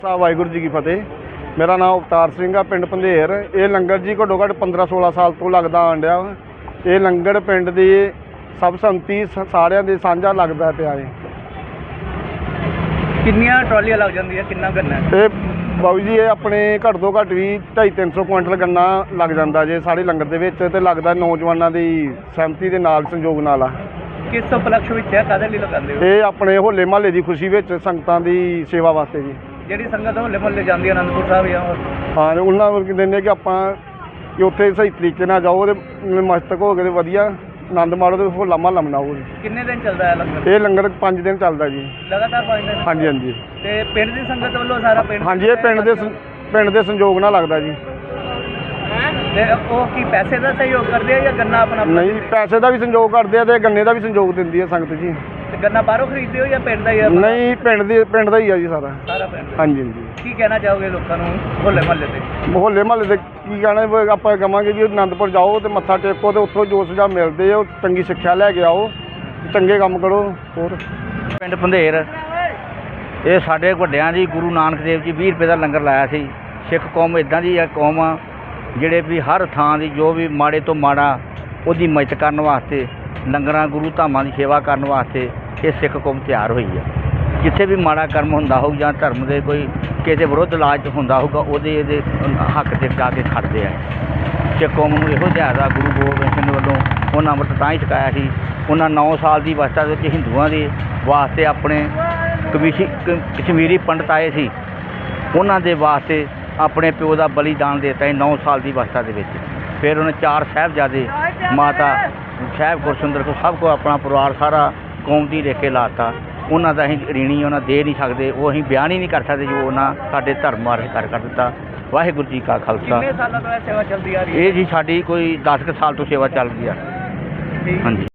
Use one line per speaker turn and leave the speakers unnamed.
ਵਾਹਿਗੁਰੂ ਜੀ ਕੀ ਫਤਿਹ। ਮੇਰਾ ਨਾਮ ਅਵਤਾਰ ਸਿੰਘ ਆ, ਪਿੰਡ ਪੰਧੇਰ। ਇਹ ਲੰਗਰ ਜੀ ਘੱਟੋ ਘੱਟ 15-16 ਸਾਲ ਤੋਂ ਲੱਗਦਾ ਆਉਣ ਡਿਆ ਵਾ। ਇਹ ਲੰਗਰ ਪਿੰਡ ਦੀ ਸਭ ਸੰਮਤੀ ਸਾਰਿਆਂ ਦੇ ਸਾਂਝਾ ਲੱਗਦਾ ਪਿਆ ਹੈ।
ਕਿੰਨੀਆਂ ਟਰਾਲੀਆਂ ਲੱਗ ਜਾਂਦੀਆਂ, ਕਿੰਨਾ ਗੰਨਾ
ਇਹ ਬਾਬੂ ਜੀ ਇਹ ਆਪਣੇ ਘੱਟ ਤੋਂ ਘੱਟ ਵੀ 250-300 ਕੁਇੰਟਲ ਗੰਨਾ ਲੱਗ ਜਾਂਦਾ ਜੇ ਸਾਰੇ ਲੰਗਰ ਦੇ ਵਿੱਚ, ਤੇ ਲੱਗਦਾ ਨੌਜਵਾਨਾਂ ਦੀ ਸਹਿਮਤੀ ਦੇ ਨਾਲ, ਸੰਯੋਗ ਨਾਲ ਆ।
ਕਿਸ ਉਪਲਕਸ਼ ਵਿੱਚ ਹੈ, ਕਾਹਦੇ ਲਈ ਲਗਾਉਂਦੇ ਹੋ?
ਇਹ ਆਪਣੇ ਹੋਲੇ ਮਹੱਲੇ ਦੀ ਖੁਸ਼ੀ ਵਿੱਚ ਸੰਗਤਾਂ ਦੀ ਸੇਵਾ ਵਾਸਤੇ ਜੀ।
ਜਿਹੜੀ ਸੰਗਤ ਹੋਲੇ ਮਹੱਲੇ ਜਾਂਦੀ ਹੈ ਅਨੰਦਪੁਰ ਸਾਹਿਬ ਜਾਂ ਹੋਰ?
ਹਾਂ, ਉਹਨਾਂ ਨੂੰ ਕਹਿੰਦੇ ਨੇ ਕਿ ਆਪਾਂ ਕਿ ਉੱਥੇ ਸਹੀ ਤਰੀਕੇ ਨਾਲ ਜਾਓ ਤੇ ਮਸਤਕ ਹੋ ਕੇ ਤੇ ਵਧੀਆ ਆਨੰਦ ਮਾਣੋ ਤੇ ਹੋਲਾ ਮਹੱਲਾ ਮਨਾਓ ਜੀ।
ਕਿੰਨੇ ਦਿਨ ਚੱਲਦਾ ਹੈ ਲੰਗਰ?
ਇਹ ਲੰਗਰ 5 ਦਿਨ ਚੱਲਦਾ ਜੀ।
ਲਗਾਤਾਰ 5 ਦਿਨ?
ਹਾਂਜੀ ਹਾਂਜੀ।
ਤੇ ਪਿੰਡ ਦੀ ਸੰਗਤ ਵੱਲੋਂ ਸਾਰਾ ਪਿੰਡ?
ਹਾਂਜੀ, ਇਹ ਪਿੰਡ ਦੇ ਸੰਯੋਗ ਨਾਲ ਲੱਗਦਾ ਜੀ।
ਤੇ ਉਹ ਕੀ ਪੈਸੇ ਦਾ ਸਹਿਯੋਗ ਕਰਦੇ ਆ ਜਾਂ ਗੰਨਾ ਆਪਣਾ?
ਨਹੀਂ, ਪੈਸੇ ਦਾ ਵੀ ਸੰਯੋਗ ਕਰਦੇ ਆ ਤੇ ਗੰਨੇ ਦਾ ਵੀ ਸੰਯੋਗ ਦਿੰਦੀ ਹੈ ਸੰਗਤ ਜੀ।
ਤੇ ਗੰਨਾ ਬਾਹਰੋਂ ਖਰੀਦਦੇ ਹੋ ਜਾਂ ਪਿੰਡ ਦਾ ਹੀ ਆ?
ਨਹੀਂ, ਪਿੰਡ ਦਾ ਹੀ ਆ ਜੀ ਸਾਰਾ।
ਸਾਰਾ ਪਿੰਡ?
ਹਾਂਜੀ ਹਾਂਜੀ।
ਕੀ ਕਹਿਣਾ ਚਾਹੋਗੇ ਲੋਕਾਂ ਨੂੰ ਹੋਲੇ ਮਹੱਲੇ ਤੇ?
ਹੋਲੇ ਮਹੱਲੇ ਦੇ ਕੀ ਕਹਿਣਾ, ਆਪਾਂ ਕਹਾਂਗੇ ਜੀ ਅਨੰਦਪੁਰ ਜਾਓ ਤੇ ਮੱਥਾ ਟੇਕੋ ਤੇ ਉੱਥੋਂ ਜੋ ਸੁਝਾਅ ਮਿਲਦੇ ਉਹ ਚੰਗੀ ਸਿੱਖਿਆ ਲੈ ਕੇ ਆਓ, ਚੰਗੇ ਕੰਮ ਕਰੋ। ਹੋਰ
ਪਿੰਡ ਪੰਧੇਰ, ਇਹ ਸਾਡੇ ਵੱਡਿਆਂ ਦੀ ਗੁਰੂ ਨਾਨਕ ਦੇਵ ਜੀ 20 ਰੁਪਏ ਦਾ ਲੰਗਰ ਲਾਇਆ ਸੀ। ਸਿੱਖ ਕੌਮ ਇੱਦਾਂ ਦੀ ਕੌਮ ਆ ਜਿਹੜੇ ਵੀ ਹਰ ਥਾਂ ਦੀ ਜੋ ਵੀ ਮਾੜੇ ਤੋਂ ਮਾੜਾ ਉਹਦੀ ਮਦਦ ਕਰਨ ਵਾਸਤੇ, ਲੰਗਰਾਂ ਗੁਰੂ ਧਾਮਾਂ ਦੀ ਸੇਵਾ ਕਰਨ ਵਾਸਤੇ ਇਹ ਸਿੱਖ ਕੌਮ ਤਿਆਰ ਹੋਈ ਆ। ਜਿੱਥੇ ਵੀ ਮਾੜਾ ਕਰਮ ਹੁੰਦਾ ਹੋਊ ਜਾਂ ਧਰਮ ਦੇ ਕੋਈ ਕਿਸੇ ਵਿਰੁੱਧ ਇਲਾਜ ਹੁੰਦਾ ਹੋਊਗਾ ਇਹਦੇ ਹੱਕ 'ਤੇ ਜਾ ਕੇ ਖੜਦੇ ਆ। ਸਿੱਖ ਕੌਮ ਨੂੰ ਇਹੋ ਜਿਹਾ ਦਾ ਗੁਰੂ ਗੋਬਿੰਦ ਸਿੰਘ ਵੱਲੋਂ ਉਹਨਾਂ ਅੰਮ੍ਰਿਤ ਤਾਂ ਹੀ ਛਕਾਇਆ ਸੀ। ਉਹਨਾਂ 9 ਸਾਲ ਦੀ ਅਵਸਥਾ ਦੇ ਵਿੱਚ ਹਿੰਦੂਆਂ ਦੇ ਵਾਸਤੇ ਆਪਣੇ ਕਸ਼ਮੀਰੀ ਪੰਡਤ ਆਏ ਸੀ, ਉਹਨਾਂ ਦੇ ਵਾਸਤੇ ਆਪਣੇ ਪਿਓ ਦਾ ਬਲੀਦਾਨ ਦੇ ਦਿੱਤਾ ਸੀ 9 ਸਾਲ ਦੀ ਅਵਸਥਾ ਦੇ ਵਿੱਚ। ਫਿਰ ਉਹਨੇ 4 ਸਾਹਿਬਜ਼ਾਦੇ, ਮਾਤਾ ਸਾਹਿਬ ਗੁਰਸੁੰਦਰ ਕੋ ਸਭ ਕੋ ਆਪਣਾ ਪਰਿਵਾਰ ਸਾਰਾ ਕੌਮ ਦੀ ਰੇਖੇ ਲਾਤਾ। ਉਹਨਾਂ ਦਾ ਅਸੀਂ ਰੀਣੀ ਉਹਨਾਂ ਦੇ ਨਹੀਂ ਸਕਦੇ, ਉਹ ਅਸੀਂ ਬਿਆਨ ਹੀ ਨਹੀਂ ਕਰ ਸਕਦੇ ਜੋ ਉਹਨਾਂ ਸਾਡੇ ਧਰਮ ਬਾਰੇ ਕਰ ਦਿੱਤਾ। ਵਾਹਿਗੁਰੂ ਜੀ ਕਾ ਖਾਲਸਾ।
ਕਿੰਨੇ ਸਾਲਾਂ ਤੋਂ ਇਹ ਸੇਵਾ ਚੱਲਦੀ ਆ ਰਹੀ ਹੈ?
ਇਹ ਜੀ ਸਾਡੀ ਕੋਈ 10 ਕੁ ਸਾਲ ਤੋਂ ਸੇਵਾ ਚੱਲ ਰਹੀ ਆ। ਹਾਂਜੀ।